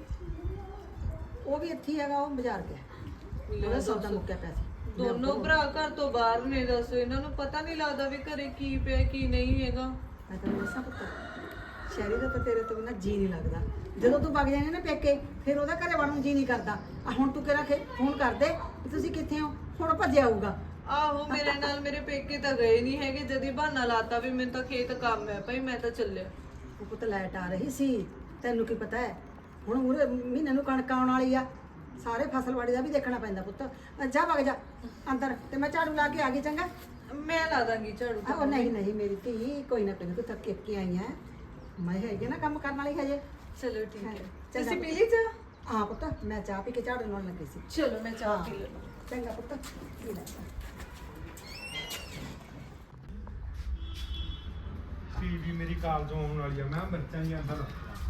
ਉਹ ਵੀ ਇੱਥੇ ਹੀ ਹੈਗਾ, ਉਹ ਬਾਜ਼ਾਰ ਗਿਆ, ਉਹਦਾ ਸੌਦਾ ਮੁੱਕਿਆ ਪਿਆ ਸੀ। ਦੋਨੋਂ ਭਰਾ ਘਰ ਤੋਂ ਬਾਹਰ ਨੇ, ਦੱਸੋ ਇਹਨਾਂ ਨੂੰ ਪਤਾ ਨਹੀਂ ਲੱਗਦਾ ਵੀ ਘਰੇ ਕੀ ਪਿਆ ਕੀ ਨਹੀਂ ਹੈਗਾ। ਮੈਂ ਤੈਨੂੰ ਦੱਸਾਂ ਪੁੱਤ, ਸ਼ਹਿਰੀ ਦਾ ਤਾਂ ਤੇਰੇ ਤੋਂ ਬਿਨਾਂ ਜੀ ਨਹੀਂ ਲੱਗਦਾ। ਜਦੋਂ ਤੂੰ ਵਗ ਜਾਏਂਗਾ ਨਾ ਪੇਕੇ, ਫਿਰ ਉਹਦਾ ਘਰੇ ਵੜਨ ਨੂੰ ਜੀ ਨਹੀਂ ਕਰਦਾ। ਆ ਹੁਣ ਤੂੰ ਕਿਹੜਾ ਫੋਨ ਕਰਦੇ ਵੀ ਤੁਸੀਂ ਕਿੱਥੇ ਹੋ, ਹੁਣ ਭੱਜ ਆਊਗਾ। ਆਹੋ ਮੇਰੇ ਨਾਲ ਮੇਰੇ ਪੇਕੇ ਤਾਂ ਗਏ ਨਹੀਂ ਹੈਗੇ, ਜਦੀ ਬਹਾਨਾ ਲਾਤਾ ਵੀ ਮੈਨੂੰ ਤਾਂ ਖੇਤ ਕੰਮ ਹੈ ਭਾਈ ਮੈਂ ਤਾਂ ਚੱਲਿਆ। ਉਹ ਪੁੱਤ ਲਾਈਟ ਆ ਰਹੀ ਸੀ, ਤੈਨੂੰ ਕੀ ਪਤਾ ਹੈ ਹੁਣ ਮੂਹਰੇ ਮਹੀਨੇ ਨੂੰ ਕਣਕ ਆਉਣ ਵਾਲੀ ਆ, ਸਾਰੇ ਫਸਲਵਾੜੀ ਦਾ ਵੀ ਦੇਖਣਾ ਪੈਂਦਾ ਪੁੱਤ। ਜਾ ਵਗ ਜਾ ਅੰਦਰ ਤੇ ਮੈਂ ਝਾੜੂ ਲਾ ਕੇ ਆ ਗਈ, ਚੰਗਾ? ਮੈਂ ਲਾ ਦਾਂਗੀ ਝਾੜੂ। ਉਹ ਨਹੀਂ ਨਹੀਂ ਮੇਰੀ ਧੀ, ਕੋਈ ਨਾ ਕੋਈ ਨਾ, ਤੂੰ ਥੱਕ ਕੇ ਆਈ ਹੈ, ਮੈਂ ਹੈਗੀ ਨਾ ਕੰਮ ਕਰਨ ਵਾਲੀ ਹਜੇ। ਚਲੋ ਠੀਕ ਹੈ। ਚੰਗਾ ਤੁਸੀਂ ਪੁੱਤ। ਪੀ ਲਈ ਚਾਹ? ਹਾਂ ਪੁੱਤ, ਮੈਂ ਚਾਹ ਪੀ ਕੇ ਝਾੜੂ ਲਾਉਣ ਲੱਗੀ ਸੀ। ਚਲੋ ਮੈਂ ਚਾਹ ਹਾਂ। ਪੀ ਲੈਂਦੀ। ਚੰਗਾ ਪੁੱਤ, ਪੀ ਲੈ। ਟੀਵੀ ਮੇਰੀ ਕਾਲਜੋਂ ਆਉਣ ਵਾਲੀ ਆ, ਮੈਂ ਮਿਰਚਾਂ ਹੀ ਅੰਦਰ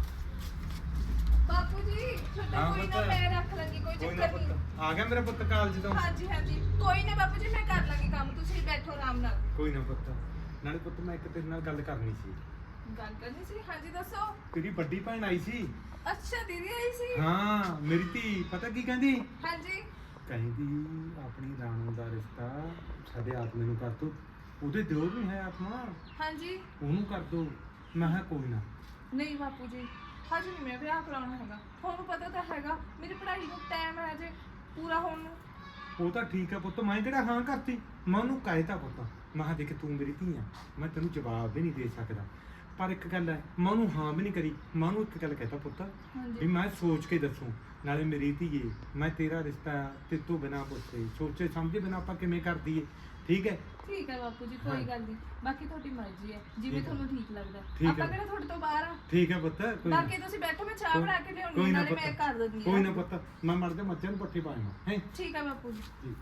ਬਾਪੂ ਜੀ ਛੋਟਾ ਹਾਂ ਕੋਈ ਨਾ ਪੁੱਤ। ਮੈਂ ਰੱਖ ਲਾਂਗੀ, ਕੋਈ ਕੋਈ ਨਾ ਚੱਕਰ ਨਹੀਂ। ਪੁੱਤ, ਆ ਗਿਆ ਮੇਰਾ ਪੁੱਤ ਕਾਲਜ ਤੋਂ। ਹਾਂਜੀ ਹਾਂਜੀ ਕੋਈ ਨਾ ਬਾਪੂ ਜੀ, ਮੈਂ ਕਰ ਲਾਂਗੀ ਕੰਮ, ਤੁਸੀਂ ਬੈਠੋ ਆਰਾਮ ਨਾਲ। ਕੋਈ ਨਾ ਪੁੱਤ, ਨਾਲੇ ਪੁੱਤ ਮੈਂ ਇੱਕ ਤੇਰੇ ਨਾਲ ਗੱਲ ਕਰਨੀ ਸੀ। ਗੱਲ ਕਰਨੀ ਸੀ? ਹਾਂਜੀ ਦੱਸੋ। ਤੇਰੀ ਵੱਡੀ ਭੈਣ ਆਈ ਸੀ। ਅੱਛਾ ਦੀਦੀ ਆਈ ਸੀ? ਹਾਂ ਮੇਰੀ ਧੀ, ਪਤਾ ਕੀ ਕਹਿੰਦੀ? ਹਾਂਜੀ। ਕਹਿੰਦੀ ਆਪਣੀ ਰਾਣੋ ਦਾ ਰਿਸ਼ਤਾ ਸਾਡੇ ਆਤਮੇ ਨੂੰ ਕਰ ਦੋ, ਉਹਦੇ ਦਿਓਰ ਵੀ ਹੈ ਆਤਮਾ, ਹਾਂਜੀ। ਉਹਨੂੰ ਕਰ ਦੋ। ਮੈਂ ਕਿਹਾ ਕੋਈ ਨਾ। ਨਹੀਂ ਬਾਪੂ ਜੀ, ਹਜੇ ਨਹੀਂ ਮੈਂ ਵਿਆਹ ਕਰਾਉਣਾ ਹੈਗਾ, ਤੁਹਾਨੂੰ ਪਤਾ ਤਾਂ ਹੈਗਾ ਮੇਰੀ ਪੜ੍ਹਾਈ ਨੂੰ ਟਾਈਮ ਹੈ ਹਜੇ ਪੂਰਾ ਹੋਣ ਨੂੰ। ਉਹ ਤਾਂ ਠੀਕ ਹੈ ਪੁੱਤ, ਮੈਂ ਕਿਹੜਾ ਹਾਂ ਕਰਤੀ, ਮੈਂ ਉਹਨੂੰ ਕਹਿਤਾ ਪੁੱਤ, ਮੈਂ ਕਿਹਾ ਦੇਖ ਤੂੰ ਮੇਰੀ ਧੀ ਆ, ਮੈਂ ਤੈਨੂੰ ਜਵਾਬ ਵੀ ਨਹੀਂ ਦੇ ਸਕਦਾ, ਪਰ ਇੱਕ ਗੱਲ ਹੈ, ਮੈਂ ਉਹਨੂੰ ਹਾਂ ਵੀ ਨਹੀਂ ਕਰੀ, ਮੈਂ ਉਹਨੂੰ ਇੱਕ ਗੱਲ ਕਹਿਤਾ ਪੁੱਤ ਵੀ ਹਾਂਜੀ ਮੈਂ ਸੋਚ ਕੇ ਦੱਸੂ, ਨਾਲੇ ਮੇਰੀ ਧੀਏ ਮੈਂ ਤੇਰਾ ਰਿਸ਼ਤਾ ਤੇ ਤੂੰ ਬਿਨਾਂ ਪੁੱਛੇ ਸੋਚੇ ਸਮਝੇ ਬਿਨਾਂ ਆਪਾਂ ਕਿਵੇਂ ਕਰ ਦਈਏ, ਠੀਕ ਹੈ? ਠੀਕ ਹੈ ਬਾਪੂ ਜੀ, ਹਾਂ। ਕੋਈ ਗੱਲ ਨਹੀਂ, ਬਾਕੀ ਤੁਹਾਡੀ ਮਰਜ਼ੀ ਹੈ, ਜਿਵੇਂ ਠੀਕ ਹੈ। ਤੁਹਾਨੂੰ ਠੀਕ ਲੱਗਦਾ। ਠੀਕ ਹੈ। ਆਪਾਂ ਕਿਹੜਾ ਤੁਹਾਡੇ ਤੋਂ ਬਾਹਰ ਆ। ਠੀਕ ਹੈ ਪੁੱਤ, ਕੋਈ ਨਾ। ਬਾਕੀ ਤੁਸੀਂ ਬੈਠੋ, ਮੈਂ ਚਾਹ ਬਣਾ ਕੇ ਲਿਆਉਣੀ ਕੋਈ ਨਾ ਨਾਲੇ ਮੈਂ ਪੁੱਤ, ਕਰ ਦਿੰਦੀ ਕੋਈ ਨਾ ਹਾਂ। ਪੁੱਤ, ਮੈਂ ਮਰ ਜਾ ਮੱਝਾਂ ਨੂੰ ਪੱਠੇ ਪਾਵਾਂ ਹੈ। ਠੀਕ ਹੈ ਬਾਪੂ ਜੀ। ਜੀ।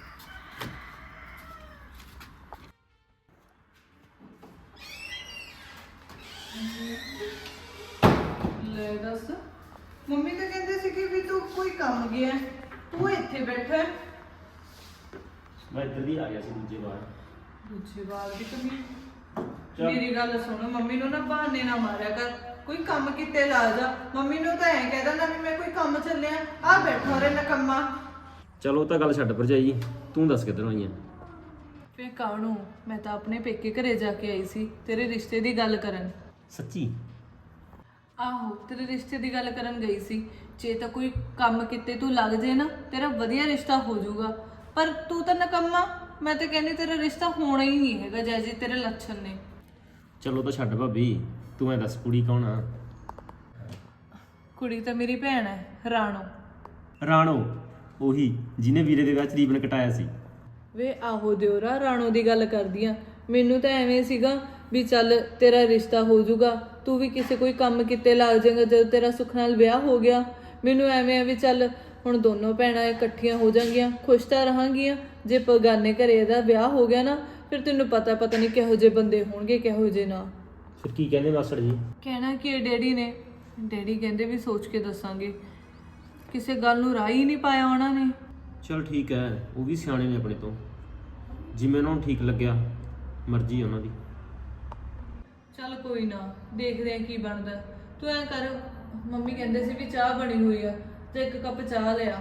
ਲੈ ਦੱਸ, ਮੰਮੀ ਤਾਂ ਕਹਿੰਦੇ ਸੀ ਕਿ ਵੀ ਤੂੰ ਕੋਈ ਕੰਮ ਗਿਆ ਹੈ, ਤੂੰ ਇੱਥੇ ਬੈਠਾ ਹੈ। ਮੈਂ ਇੱਧਰ ਦੀ ਆ ਗਿਆ ਸੀ ਦੂਜੇ ਵਾਰ। ਦੂਜੇ ਵਾਰ ਵੀ ਕਮੀ। ਚੱਲ। ਮੇਰੀ ਗੱਲ ਸੁਣ, ਮੰਮੀ ਨੂੰ ਨਾ ਬਹਾਨੇ ਨਾ ਮਾਰਿਆ ਕਰ, ਕੋਈ ਕੰਮ ਕਿਤੇ ਲਾ ਜਾ। ਮੰਮੀ ਨੂੰ ਤਾਂ ਐਂ ਕਹਿ ਦਿੰਦਾ ਵੀ ਮੈਂ ਕੋਈ ਕੰਮ ਚੱਲਿਆ, ਆ ਬੈਠਾ ਰੇ ਨਕੰਮਾ। ਚਲੋ ਉਹ ਤਾਂ ਗੱਲ ਛੱਡ ਭਰਜਾਈ, ਤੂੰ ਦੱਸ ਕਿੱਧਰੋਂ ਆਈ ਆ? ਫੇ ਕਾਹਨੂੰ, ਮੈਂ ਤਾਂ ਆਪਣੇ ਪੇਕੇ ਘਰੇ ਜਾ ਕੇ ਆਈ ਸੀ ਤੇਰੇ ਰਿਸ਼ਤੇ ਦੀ ਗੱਲ ਕਰਨ। ਸੱਚੀ? ਆਹੋ, ਤੇਰੇ ਰਿਸ਼ਤੇ ਦੀ ਗੱਲ ਕਰਨ ਗਈ ਸੀ। ਜੇ ਤਾਂ ਕੋਈ ਕੰਮ ਕਿਤੇ ਤੂੰ ਲੱਗ ਜੇ ਨਾ, ਤੇਰਾ ਵਧੀਆ ਰਿਸ਼ਤਾ ਹੋ ਜਾਊਗਾ, ਪਰ ਤੂੰ ਤਾਂ ਨਕੰਮਾ। ਮੈਂ ਤਾਂ ਕਹਿੰਦੀ ਤੇਰਾ ਰਿਸ਼ਤਾ ਹੋਣਾ ਹੀ ਨਹੀਂ ਹੈਗਾ ਜੈਸੇ ਤੇਰੇ ਲੱਛਣ ਨੇ। ਚਲੋ ਤਾਂ ਛੱਡ ਭਾਬੀ, ਤੂੰ ਐ ਦੱਸ ਕੁੜੀ ਕੌਣ ਆ? ਕੁੜੀ ਤਾਂ ਮੇਰੀ ਭੈਣ ਹੈ, ਰਾਣੋ। ਰਾਣੋ? ਉਹੀ ਜਿਹਨੇ ਵੀਰੇ ਦੇ ਵਿਆਹ 'ਚ ਰੀਬਨ ਕਟਾਇਆ ਸੀ। ਵੇ ਆਹੋ ਦਿਓਰਾ, ਰਾਣੋ ਦੀ ਗੱਲ ਕਰਦੀ ਆ। ਮੈਨੂੰ ਤਾਂ ਐਵੇਂ ਸੀਗਾ ਵੀ ਚੱਲ ਤੇਰਾ ਰਿਸ਼ਤਾ ਹੋ ਜਾਊਗਾ, ਤੂੰ ਵੀ ਕਿਸੇ ਕੋਈ ਕੰਮ ਕਿਤੇ ਲੱਗ ਜਾਏਗਾ ਜਦੋਂ ਤੇਰਾ ਸੁੱਖ ਨਾਲ ਵਿਆਹ ਹੋ ਗਿਆ। ਮੈਨੂੰ ਐਵੇਂ ਆ ਵੀ ਚੱਲ ਹੁਣ ਦੋਨੋਂ ਭੈਣਾਂ ਇਕੱਠੀਆਂ ਹੋ ਜਾਣਗੀਆਂ, ਖੁਸ਼ ਤਾਂ ਰਹਾਂਗੀਆਂ। ਜੇ ਬਗਾਨੇ ਘਰੇ ਇਹਦਾ ਵਿਆਹ ਹੋ ਗਿਆ ਨਾ, ਫਿਰ ਤੈਨੂੰ ਪਤਾ ਨਹੀਂ ਕਿਹੋ ਜਿਹੇ ਬੰਦੇ ਹੋਣਗੇ ਕਿਹੋ ਜਿਹੇ ਨਾ। ਫਿਰ ਕੀ ਕਹਿੰਦੇ ਮਾਸੜ ਜੀ? ਕਹਿਣਾ ਕਿ ਡੈਡੀ ਨੇ, ਡੈਡੀ ਕਹਿੰਦੇ ਵੀ ਸੋਚ ਕੇ ਦੱਸਾਂਗੇ। ਕਿਸੇ ਗੱਲ ਨੂੰ ਰਾਹ ਹੀ ਨਹੀਂ ਪਾਇਆ ਉਹਨਾਂ ਨੇ। ਚਲ ਠੀਕ ਹੈ, ਉਹ ਵੀ ਸਿਆਣੇ ਨੇ ਆਪਣੇ ਤੋਂ, ਜਿਵੇਂ ਉਹਨਾਂ ਨੂੰ ਠੀਕ ਲੱਗਿਆ, ਮਰਜ਼ੀ ਉਹਨਾਂ ਦੀ। ਚੱਲ ਕੋਈ ਨਾ, ਦੇਖਦੇ ਆ ਕੀ ਬਣਦਾ। ਤੂੰ ਐਂ ਕਰ, ਮੰਮੀ ਕਹਿੰਦੇ ਸੀ ਵੀ ਚਾਹ ਬਣੀ ਹੋਈ ਆ, ਤੇ ਇੱਕ ਕੱਪ ਚਾਹ ਲਿਆ।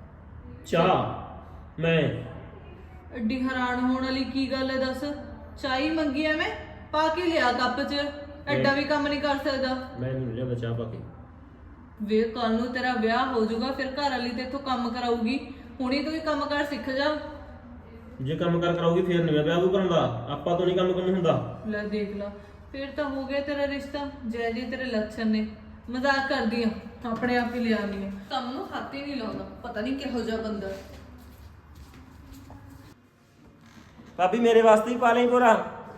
ਚਾਹ? ਮੈਂ? ਐਡੀ ਹੈਰਾਨ ਹੋਣ ਵਾਲੀ ਕੀ ਗੱਲ ਹੈ ਦੱਸ? ਚਾਹ ਹੀ ਮੰਗੀ ਐ, ਮੈਂ ਪਾ ਕੇ ਲਿਆ ਕੱਪ 'ਚ। ਐਡਾ ਵੀ ਕੰਮ ਨਹੀਂ ਕਰ ਸਕਦਾ। ਮੈਂ ਨਹੀਂ ਲਿਆ ਚਾਹ ਪਾ ਕੇ। ਵੇ ਕੱਲ ਨੂੰ ਤੇਰਾ ਵਿਆਹ ਹੋ ਜਾਊਗਾ, ਫਿਰ ਘਰ ਵਾਲੀ ਤੇ ਇੱਥੋਂ ਕੰਮ ਕਰਾਊਗੀ। ਹੁਣੀ ਤੂੰ ਹੀ ਕੰਮ ਕਰ ਸਿੱਖ ਜਾ। ਜੇ ਕੰਮ ਕਰ ਕਰਾਉਗੀ ਫਿਰ ਨਹੀਂ ਮੈਂ ਵਿਆਹ ਕੋ ਕਰਾਉਂਦਾ, ਆਪਾਂ ਤੋਂ ਨਹੀਂ ਕੰਮ ਕੰਮ ਹੁੰਦਾ। ਲੈ ਦੇਖ ਲਾ, ਫਿਰ ਤਾਂ ਹੋ ਗਿਆ ਤੇਰਾ ਰਿਸ਼ਤਾ ਜੈ ਜੀ ਤੇਰੇ ਲੱਛਣ ਨੇ। ਮਜ਼ਾਕ ਕਰਦੀ ਆ, ਆਪਣੇ ਆਪ ਹੀ ਲਿਆਉਂਦੀ ਆ, ਕੰਮ ਨੂੰ ਹੱਥ ਹੀ ਨਹੀਂ ਲਾਉਂਦਾ। ਪਤਾ ਨਹੀਂ ਕਿਹੋ ਜਿਹਾ ਬੰਦਾ। ਭਾਬੀ ਮੇਰੇ ਵਾਸਤੇ ਹੀ ਪਾ ਲਈ ਪੂਰਾ।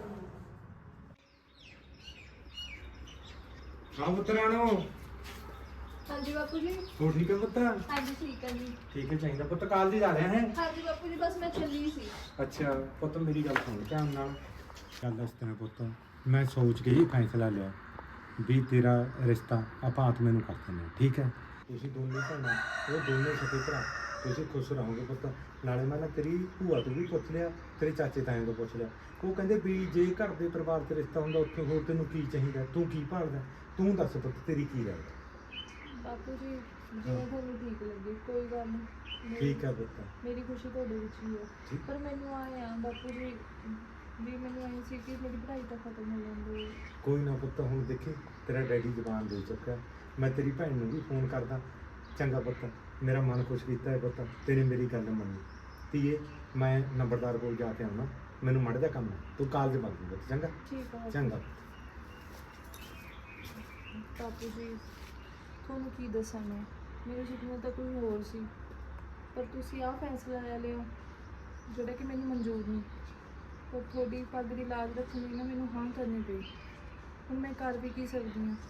ਹਾਂ ਪੁੱਤ ਰਾਣੋ, ਹਾਂਜੀ ਬਾਪੂ ਜੀ। ਹੋ ਠੀਕ ਹੈ ਪੁੱਤ? ਹਾਂਜੀ ਠੀਕ ਹੈ ਜੀ। ਠੀਕ ਹੈ, ਚਾਹੀਦਾ ਪੁੱਤ, ਕਾਲਜ ਜਾ ਰਿਹਾ ਹੈ? ਹਾਂਜੀ ਬਾਪੂ ਜੀ, ਬਸ ਮੈਂ ਚੱਲੀ ਸੀ। ਅੱਛਾ ਪੁੱਤ, ਮੇਰੀ ਗੱਲ ਸੁਣ ਧਿਆਨ ਨਾਲ। ਗੱਲ ਦੱਸ ਤੈਨੂੰ ਪੁੱਤ, ਮੈਂ ਸੋਚ ਕੇ ਹੀ ਫੈਸਲਾ ਲਿਆ ਵੀ ਤੇਰਾ ਰਿਸ਼ਤਾ ਆਪਾਂ ਆਤਮੇ ਨੂੰ ਕਰ ਦਿੰਦੇ ਹਾਂ, ਠੀਕ ਹੈ? ਤੁਸੀਂ ਦੋਨੇ ਭੈਣਾਂ, ਉਹ ਦੋਨੇ ਸਕੇ ਭਰਾ, ਤੁਸੀਂ ਖੁਸ਼ ਰਹੋਗੇ ਪੁੱਤ। ਨਾਲੇ ਮੈਂ ਨਾ ਤੇਰੀ ਭੂਆ ਤੋਂ ਵੀ ਪੁੱਛ ਲਿਆ, ਤੇਰੇ ਚਾਚੇ ਤਾਇਆਂ ਤੋਂ ਪੁੱਛ ਲਿਆ, ਉਹ ਕਹਿੰਦੇ ਵੀ ਜੇ ਘਰ ਦੇ ਪਰਿਵਾਰ 'ਚ ਰਿਸ਼ਤਾ ਹੁੰਦਾ ਉੱਥੇ ਹੋਰ ਤੈਨੂੰ ਕੀ ਚਾਹੀਦਾ, ਤੂੰ ਕੀ ਭਾਲਦਾ? ਤੂੰ ਦੱਸ ਪੁੱਤ, ਤੇਰੀ ਕੀ ਰਾਏ ਹੈ? ਬਾਪੂ ਜੀ ਜਿਵੇਂ ਤੁਹਾਨੂੰ ਠੀਕ ਲੱਗੇ, ਕੋਈ ਗੱਲ ਨਹੀਂ। ਠੀਕ ਹੈ ਪੁੱਤ। ਮੇਰੀ ਖੁਸ਼ੀ ਤੁਹਾਡੇ ਵਿੱਚ ਹੀ ਹੈ, ਠੀਕ। ਪਰ ਮੈਨੂੰ ਆਏ ਆ ਬਾਪੂ ਜੀ ਵੀ ਮੈਨੂੰ ਆਏ ਸੀ ਕਿ ਮੇਰੀ ਪੜ੍ਹਾਈ ਤਾਂ ਖਤਮ ਹੋ ਜਾਂਦੀ ਹੈ। ਕੋਈ ਨਾ ਪੁੱਤ, ਹੁਣ ਦੇਖੀ ਤੇਰਾ ਡੈਡੀ ਜ਼ਬਾਨ ਦੇ ਚੁੱਕਾ, ਮੈਂ ਤੇਰੀ ਭੈਣ ਨੂੰ ਵੀ ਫੋਨ ਕਰਦਾ। ਚੰਗਾ ਪੁੱਤ, ਮੇਰਾ ਮਨ ਖੁਸ਼ ਕੀਤਾ ਹੈ ਪੁੱਤ, ਤੇਰੀ ਮੇਰੀ ਗੱਲ ਮੰਨੀ। ਧੀਏ ਮੈਂ ਨੰਬਰਦਾਰ ਕੋਲ ਜਾ ਕੇ ਆਉਣਾ, ਮੈਨੂੰ ਮਾੜਾ ਜਿਹਾ ਕੰਮ ਹੈ, ਤੂੰ ਕਾਲਜ ਵਗ ਜੀ ਪੁੱਤ। ਚੰਗਾ? ਠੀਕ ਹੈ ਚੰਗਾ। ਬਾਪੂ ਜੀ, ਤੁਹਾਨੂੰ ਕੀ ਦੱਸਾਂ ਮੈਂ, ਮੇਰੇ ਸੁਪਨੇ ਤਾਂ ਕੋਈ ਹੋਰ ਸੀ, ਪਰ ਤੁਸੀਂ ਆਹ ਫੈਸਲਾ ਲੈ ਲਿਆ ਜਿਹੜਾ ਕਿ ਮੈਨੂੰ ਮਨਜ਼ੂਰ ਨਹੀਂ। ਪਰ ਤੁਹਾਡੀ ਪੱਗ ਦੀ ਲਾਜ ਰੱਖਣ ਲਈ ਨਾ ਮੈਨੂੰ ਹਾਂ ਕਰਨੀ ਪਈ। ਹੁਣ ਮੈਂ ਕਰ ਵੀ ਕੀ ਸਕਦੀ ਹਾਂ।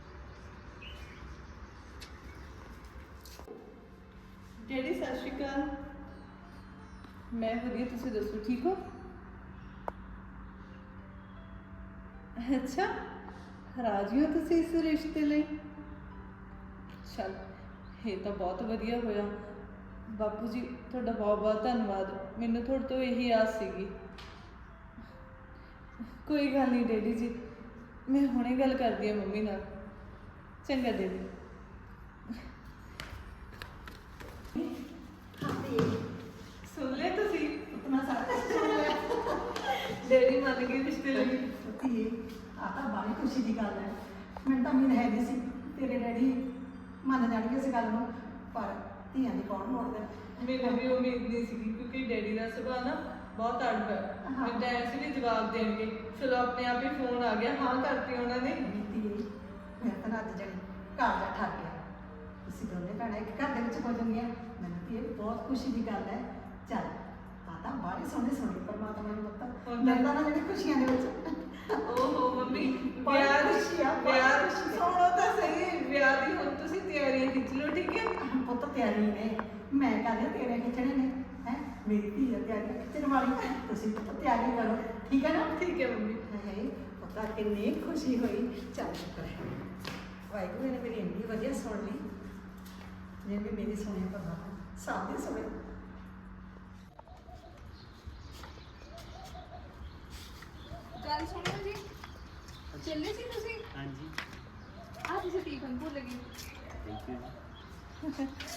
ਡੈਡੀ ਸਤਿ ਸ਼੍ਰੀ ਅਕਾਲ। ਮੈਂ ਵਧੀਆ, ਤੁਸੀਂ ਦੱਸੋ ਠੀਕ ਹੋ? ਅੱਛਾ, ਰਾਜੀ ਹੋ ਤੁਸੀਂ ਇਸ ਰਿਸ਼ਤੇ ਲਈ? ਚਲ, ਇਹ ਤਾਂ ਬਹੁਤ ਵਧੀਆ ਹੋਇਆ। ਬਾਪੂ ਜੀ ਤੁਹਾਡਾ ਬਹੁਤ ਬਹੁਤ ਧੰਨਵਾਦ। ਮੈਨੂੰ ਤੁਹਾਡੇ ਤੋਂ ਇਹੀ ਆਸ ਸੀਗੀ। ਕੋਈ ਗੱਲ ਨਹੀਂ ਡੈਡੀ ਜੀ, ਮੈਂ ਹੁਣੇ ਗੱਲ ਕਰਦੀ ਹਾਂ ਮੰਮੀ ਨਾਲ। ਚੰਗਾ ਡੈਡੀ। ਸੁਣ ਲਿਆ ਤੁਸੀਂ? ਉਤਨਾ ਸਾਰਾ ਸੁਣ ਲਿਆ। ਡੈਡੀ ਮੰਨ ਗਏ ਰਿਸ਼ਤੇ ਲਈ। ਧੀਏ, ਆਹ ਤਾਂ ਬੜੀ ਖੁਸ਼ੀ ਦੀ ਗੱਲ ਹੈ। ਮੈਨੂੰ ਤਾਂ ਉਮੀਦ ਹੈ ਨਹੀਂ ਸੀ ਤੇਰੇ ਡੈਡੀ ਮੰਨ ਜਾਣਗੇ ਇਸ ਗੱਲ ਨੂੰ, ਪਰ ਧੀਆਂ ਦੀ ਕੌਣ ਮੋੜਦਾ। ਮੈਨੂੰ ਵੀ ਉਮੀਦ ਨਹੀਂ ਸੀਗੀ ਕਿਉਂਕਿ ਡੈਡੀ ਦਾ ਸੁਭਾਅ ਨਾ ਬਹੁਤ ਅੜਬ ਹੈ। ਮੈਂ ਤਾਂ ਐਸੇ ਵੀ ਜਵਾਬ ਦੇਣਗੇ, ਚਲੋ ਆਪਣੇ ਆਪ ਹੀ ਫੋਨ ਆ ਗਿਆ, ਹਾਂ ਕਰਤੀ ਉਹਨਾਂ ਨੇ। ਧੀਏ, ਮੈਂ ਤਾਂ ਅੱਜ ਜਣੀ ਘਰ ਜਾ ਠਰ ਗਿਆ। ਤੁਸੀਂ ਦੋਨੇ ਭੈਣਾਂ ਇੱਕ ਘਰ ਦੇ ਵਿੱਚ ਹੋ ਜਾਂਦੀਆਂ, ਮੈਨੂੰ ਧੀਏ ਬਹੁਤ ਖੁਸ਼ੀ ਦੀ ਗੱਲ ਹੈ। ਚੱਲ, ਆਹ ਤਾਂ ਬੜੀ ਸੋਹਣੀ ਪਰਮਾਤਮਾ ਨੂੰ ਪਤਾ ਮਿਲਦਾ ਨਾ ਜਿਹੜੀ ਖੁਸ਼ੀਆਂ ਦੇ ਵਿੱਚ। ਓਹੋ ਮੰਮੀ, ਬੜੀ ਵਿਆਹ ਖੁਸ਼ੀ ਆ, ਬੜੀ ਵਿਆਹ ਖੁਸ਼ੀ ਆ। ਸੁਣੋ ਤਾਂ ਸਹੀ, ਵਿਆਹ ਦੀ ਹੁਣ ਤੁਸੀਂ ਤਿਆਰੀਆਂ ਖਿੱਚ ਲਓ, ਠੀਕ ਹੈ? ਪੁੱਤ ਤਿਆਰੀ ਨੇ, ਮੈਂ ਕਹਿੰਦੀ ਤੇਰੇ ਖਿੱਚਣੇ ਨੇ ਹੈ। ਮੇਰੀ ਧੀ ਦਾ ਤਿਆਰੀ ਖਿੱਚਣ ਵਾਲੀ, ਤੁਸੀਂ ਪੁੱਤ ਤਿਆਰੀ ਕਰੋ, ਠੀਕ ਹੈ ਨਾ? ਠੀਕ ਹੈ ਮੰਮੀ। ਹੈ ਪਤਾ ਕਿੰਨੀ ਖੁਸ਼ੀ ਹੋਈ। ਚੱਲ ਸ਼ੁਕਰ ਹੈ ਵਾਹਿਗੁਰੂ ਨੇ ਮੇਰੀ ਇੰਨੀ ਵਧੀਆ ਸੁਣ ਲਈ, ਜਿਵੇਂ ਮੇਰੀ ਸੁਣੀ ਪਰਮਾਤਮਾ ਸਭ ਦੀ ਸੁਣੇ। ਗੱਲ ਸੁਣੋ ਜੀ, ਚੱਲੇ ਸੀ ਤੁਸੀਂ? ਹਾਂਜੀ, ਆਹ ਤੁਸੀਂ ਟਿਫਨ ਭੁੱਲ ਗਏ। Thank you.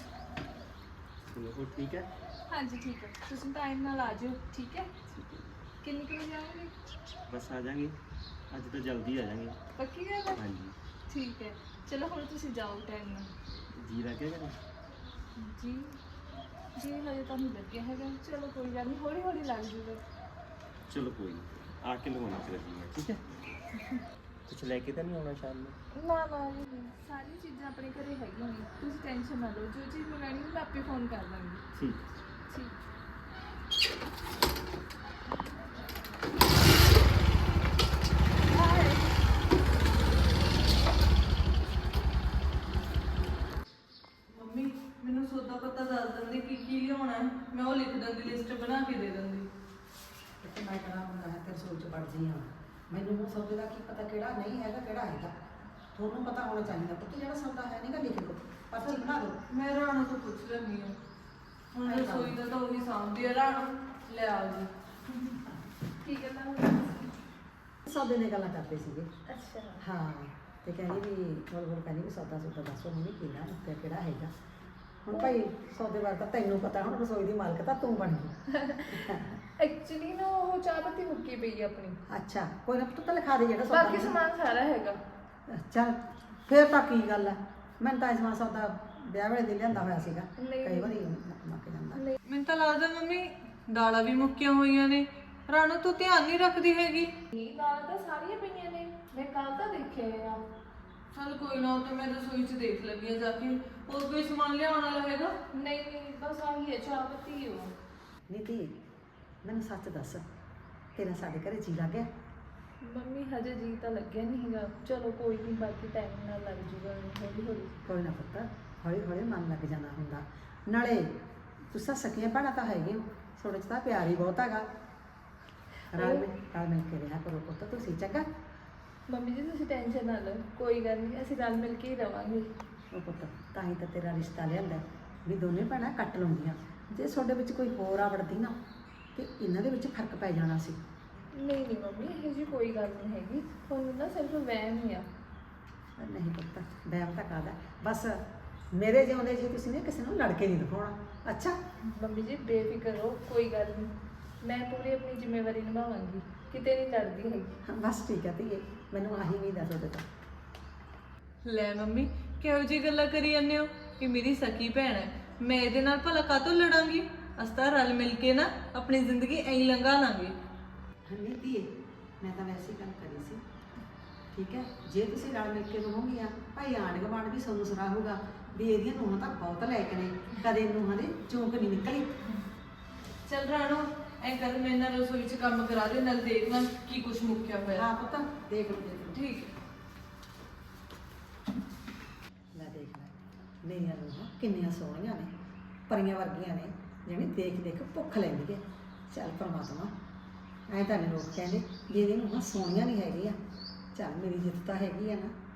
ਚਲੋ ਠੀਕ ਹੈ। ਹਾਂਜੀ ਠੀਕ ਹੈ, ਤੁਸੀਂ ਟਾਈਮ ਨਾਲ ਆ ਜਾਓ, ਠੀਕ ਹੈ? ਠੀਕ ਹੈ, ਕਿੰਨੀ ਕੁ ਵਜੇ ਆਓਗੇ? ਬਸ ਆ ਜਾਾਂਗੇ, ਅੱਜ ਤਾਂ ਜਲਦੀ ਆ ਜਾਾਂਗੇ। ਪੱਕੀ ਗੱਲ ਹੈ? ਹਾਂਜੀ, ਠੀਕ ਹੈ, ਚਲੋ ਹੁਣ ਤੁਸੀਂ ਜਾਓ ਟਾਈਮ ਨਾਲ। ਜੀ ਲੱਗਿਆ ਕਰੇ। ਜੀ ਜੀ ਹਜੇ ਤਾਂ ਨਹੀਂ ਲੱਗਿਆ ਹੈਗਾ, ਚਲੋ ਕੋਈ ਗੱਲ ਨਹੀਂ, ਹੌਲੀ ਹੌਲੀ ਲੱਗ ਜੂਗਾ। ਚਲੋ ਕੋਈ ਨਹੀਂ, ਆ ਕੇ ਲਵਾਉਣਾ ਚਾਹੀਦਾ, ਠੀਕ ਹੈ? ਕੁਛ ਲੈ ਕੇ ਤਾਂ ਨਹੀਂ ਆਉਣਾ ਸ਼ਾਮ ਨੂੰ? ਨਾ ਨਾ ਜੀ, ਸਾਰੀਆਂ ਚੀਜ਼ਾਂ ਆਪਣੇ ਘਰੇ ਹੈਗੀਆਂ ਨੇ, ਤੁਸੀਂ ਟੈਨਸ਼ਨ ਨਾ ਲਓ। ਜੋ ਚੀਜ਼ ਮੰਗਾਣੀ ਮੈਂ ਆਪੇ ਫੋਨ ਕਰ ਦਾਂਗੀ। ਠੀਕ। ਠੀਕ। ਮੰਮੀ ਮੈਨੂੰ ਸੌਦਾ ਪਤਾ ਦੱਸ ਦਿੰਦੇ ਕੀ ਕੀ ਲਿਆਉਣਾ ਹੈ, ਮੈਂ ਉਹ ਲਿਖ ਦਿੰਦੀ, ਲਿਸਟ ਬਣਾ ਕੇ ਦੇ ਦਿੰਦੀ। ਤੇ ਮੈਂ ਕਰਾਂ ਹੁੰਦਾ ਹੈ ਤੇਰੇ ਸੋਚ ਪੜ ਜੀ ਹਾਂ। ਮੈਨੂੰ ਉਹ ਸੌਦੇ ਦਾ ਕੀ ਪਤਾ ਕਿਹੜਾ ਨਹੀਂ ਹੈਗਾ ਕਿਹੜਾ ਹੈਗਾ। ਤੁਹਾਨੂੰ ਪਤਾ ਹੋਣਾ ਚਾਹੀਦਾ ਪੁੱਤ, ਜਿਹੜਾ ਸੌਦਾ ਹੈ ਨਹੀਂਗਾ ਲਿਖ ਲਓ, ਪਰਚੀ ਬਣਾ ਦਿਓ। ਮੈਂ ਰਾਣੋ ਤੋਂ ਪੁੱਛ ਲੈਂਦੀ ਹਾਂ, ਹੁਣ ਰਸੋਈ ਦਾ ਤਾਂ ਉਹੀ ਸਾਂਭਦੀ ਹੈ। ਰਾਣੋ ਲੈ ਆਓ ਜੀ। ਠੀਕ ਹੈ ਤਾਂ ਸੌਦੇ ਨੇ ਗੱਲਾਂ ਕਰਦੇ ਸੀਗੇ। ਅੱਛਾ ਹਾਂ, ਤੇ ਕਹਿੰਦੀ ਵੀ ਬੋਲ ਕਹਿੰਦੀ ਵੀ ਸੌਦਾ ਦੱਸੋ ਮੰਮੀ ਕਿਹੜਾ ਤੇ ਕਿਹੜਾ ਹੈਗਾ। ਹੁਣ ਭਾਈ ਸੌਦੇ ਬਾਰੇ ਤਾਂ ਤੈਨੂੰ ਪਤਾ, ਹੁਣ ਰਸੋਈ ਦੀ ਮਾਲਕ ਤਾਂ ਤੂੰ ਬਣ ਗਈ। ਐਕਚੁਅਲੀ ਨਾ ਉਹ ਚਾਹ ਪੱਤੀ ਮੁੱਕੀ ਪਈ ਆਪਣੀ, ਅੱਛਾ ਕੋਈ ਨਾ ਪੁੱਤ, ਤਾਂ ਲਿਖਾ ਦੇ ਜਿਹੜਾ ਸੌਦਾ। ਬਾਕੀ ਸਮਾਨ ਸਾਰਾ ਹੈਗਾ। ਚੱਲ ਫੇਰ ਤਾਂ ਕੀ ਗੱਲ ਹੈ, ਮੈਨੂੰ ਤਾਂ ਇਸ ਵਾਰ ਸੌਦਾ ਵਿਆਹ ਵੇਲੇ ਦੇ ਲਿਆਂਦਾ ਹੋਇਆ ਸੀਗਾ, ਨਹੀਂ। ਕਈ ਵਾਰੀ ਮੁੱਕ ਜਾਂਦਾ। ਮੈਨੂੰ ਤਾਂ ਲੱਗਦਾ ਮੰਮੀ ਦਾਲਾਂ ਵੀ ਮੁੱਕੀਆਂ ਹੋਈਆਂ ਨੇ। ਰਾਣੋ ਤੂੰ ਧਿਆਨ ਨਹੀਂ ਰੱਖਦੀ ਹੈਗੀ। ਇਹ ਦਾਲਾਂ ਤਾਂ ਸਾਰੀਆਂ ਪਈਆਂ ਨੇ, ਮੈਂ ਕੱਲ ਤਾਂ ਦੇਖਿਆ ਆ। ਚਲ ਕੋਈ ਨਾ, ਉਹ ਤਾਂ ਮੈਂ ਰਸੋਈ 'ਚ ਦੇਖ ਲੈਂਦੀ ਹਾਂ ਜਾ ਕੇ। ਹੋਰ ਕੋਈ ਸਮਾਨ ਲਿਆਉਣ ਵਾਲਾ ਹੈਗਾ? ਨਹੀਂ ਨਹੀਂ, ਬਸ ਆਹੀ ਹੈ, ਚਾਹ ਪੱਤੀ ਹੋ। ਨੀਤੀ ਮੈਨੂੰ ਸੱਚ ਦੱਸ, ਤੇਰਾ ਸਾਡੇ ਘਰੇ ਜੀ ਲੱਗ ਗਿਆ? ਮੰਮੀ ਹਜੇ ਜੀ ਤਾਂ ਲੱਗਿਆ ਨਹੀਂ ਹੈਗਾ, ਚਲੋ ਕੋਈ ਨਹੀਂ, ਬਾਕੀ ਟਾਈਮ ਨਾਲ ਲੱਗ ਜੂਗਾ, ਹੌਲੀ ਹੌਲੀ। ਕੋਈ ਨਾ ਪੁੱਤ, ਹੌਲੀ ਹੌਲੀ ਮਨ ਲੱਗ ਜਾਂਦਾ ਹੁੰਦਾ। ਨਾਲੇ ਤੁਸੀਂ ਸਕੀਆਂ ਭੈਣਾਂ ਤਾਂ ਹੈਗੇ ਹੋ, ਤੁਹਾਡੇ 'ਚ ਤਾਂ ਪਿਆਰ ਹੀ ਬਹੁਤ ਹੈਗਾ। ਰਲ ਮਿਲ ਕੇ ਰਿਹਾ ਕਰੋ ਪੁੱਤ ਤੁਸੀਂ, ਚੰਗਾ? ਮੰਮੀ ਜੀ ਤੁਸੀਂ ਟੈਨਸ਼ਨ ਨਾ ਲਓ, ਕੋਈ ਗੱਲ ਨਹੀਂ, ਅਸੀਂ ਰਲ ਮਿਲ ਕੇ ਹੀ ਰਵਾਂਗੇ। ਉਹ ਪੁੱਤ ਤਾਂ ਹੀ ਤਾਂ ਤੇਰਾ ਰਿਸ਼ਤਾ ਲਿਆਂਦਾ ਵੀ ਦੋਨੇ ਭੈਣਾਂ ਕੱਟ ਲਾਉਂਦੀਆਂ। ਜੇ ਤੁਹਾਡੇ ਵਿੱਚ ਕੋਈ ਹੋਰ ਆਵੜਦੀ ਨਾ ਤੇ ਇਹਨਾਂ ਦੇ ਵਿੱਚ ਫਰਕ ਪੈ ਜਾਣਾ ਸੀ। ਨਹੀਂ ਨਹੀਂ ਮੰਮੀ, ਇਹੋ ਜਿਹੀ ਕੋਈ ਗੱਲ ਨਹੀਂ ਹੈਗੀ, ਤੁਹਾਨੂੰ ਨਾ ਸਿਰਫ ਵਹਿਮ ਹੀ ਆ। ਨਹੀਂ ਪੁੱਤ, ਵਹਿਮ ਤਾਂ ਕਾਹਦਾ, ਬਸ ਮੇਰੇ ਜਿਉਂਦੇ ਜੀ ਤੁਸੀਂ ਨੇ ਕਿਸੇ ਨੂੰ ਲੜ ਕੇ ਨਹੀਂ ਦਿਖਾਉਣਾ। ਅੱਛਾ ਮੰਮੀ ਜੀ ਬੇਫਿਕਰ ਹੋ, ਕੋਈ ਗੱਲ ਨਹੀਂ, ਮੈਂ ਪੂਰੀ ਆਪਣੀ ਜ਼ਿੰਮੇਵਾਰੀ ਨਿਭਾਵਾਂਗੀ, ਕਿਤੇ ਨਹੀਂ ਲੜਦੀ ਹੈਗੀ। ਬਸ ਠੀਕ ਹੈ ਧੀਏ, ਮੈਨੂੰ ਆਹੀ ਉਮੀਦ ਆ ਤੁਹਾਡੇ ਤੋਂ। ਲੈ ਮੰਮੀ ਕਿਹੋ ਜਿਹੀ ਗੱਲਾਂ ਕਰੀ ਜਾਂਦੇ ਹੋ ਕਿ ਮੇਰੀ ਸਕੀ ਭੈਣ ਹੈ, ਮੈਂ ਇਹਦੇ ਨਾਲ ਭਲਾ ਕਾਹਤੋਂ ਲੜਾਂਗੀ? ਅਸੀਂ ਤਾਂ ਰਲ ਮਿਲ ਕੇ ਨਾ ਆਪਣੀ ਜ਼ਿੰਦਗੀ ਐਂ ਲੰਘਾ ਲਾਂਗੇ। ਨਹੀਂ ਧੀਏ, ਮੈਂ ਤਾਂ ਵੈਸੇ ਹੀ ਗੱਲ ਕਰੀ ਸੀ ਠੀਕ ਹੈ, ਜੇ ਤੁਸੀਂ ਰਲ ਮਿਲ ਕੇ ਰਹੋਗੀਆਂ ਭਾਈ ਆਂਢ ਗੁਆਂਢ ਵੀ ਤੁਹਾਨੂੰ ਸਰਾਹੂਗਾ ਵੀ ਇਹਦੀਆਂ ਨੂੰਹਾਂ ਤਾਂ ਬਹੁਤ ਲਾਇਕ ਨੇ, ਕਦੇ ਨੂੰਹਾਂ ਦੇ ਚੌਂਕ ਨਹੀਂ ਨਿਕਲੀ। ਚੱਲ ਰਾਣੋ ਐ ਕਰ ਮੈਂ ਨਾ ਰਸੋਈ 'ਚ ਕੰਮ ਕਰਾ ਦੇ, ਨਾਲ ਦੇਖ ਲਾਂ ਕੀ ਕੁਛ ਮੁੱਕਿਆ ਹੋਇਆ। ਹਾਂ ਪੁੱਤ ਦੇਖ ਲਓ ਦੇਖ ਲਓ। ਠੀਕ ਹੈ। ਲੈ ਦੇਖ ਲੈ ਮੇਰੀਆਂ ਨੂੰਹਾਂ ਕਿੰਨੀਆਂ ਸੋਹਣੀਆਂ ਨੇ, ਪਰੀਆਂ ਵਰਗੀਆਂ ਨੇ, ਜਿਵੇਂ ਦੇਖ ਦੇਖ ਭੁੱਖ ਲੈਂਦੀ ਹੈ। ਚੱਲ ਪਰਮਾਤਮਾ, ਐਂ ਤਾਂ ਨਹੀਂ ਲੋਕ ਕਹਿੰਦੇ ਵੀ ਇਹਦੀਆਂ ਨੂੰਹਾਂ ਸੋਹਣੀਆਂ ਨਹੀਂ ਹੈਗੀਆਂ। ਚੱਲ ਮੇਰੀ ਜਿੱਤ ਤਾਂ ਹੈਗੀ ਆ ਨਾ।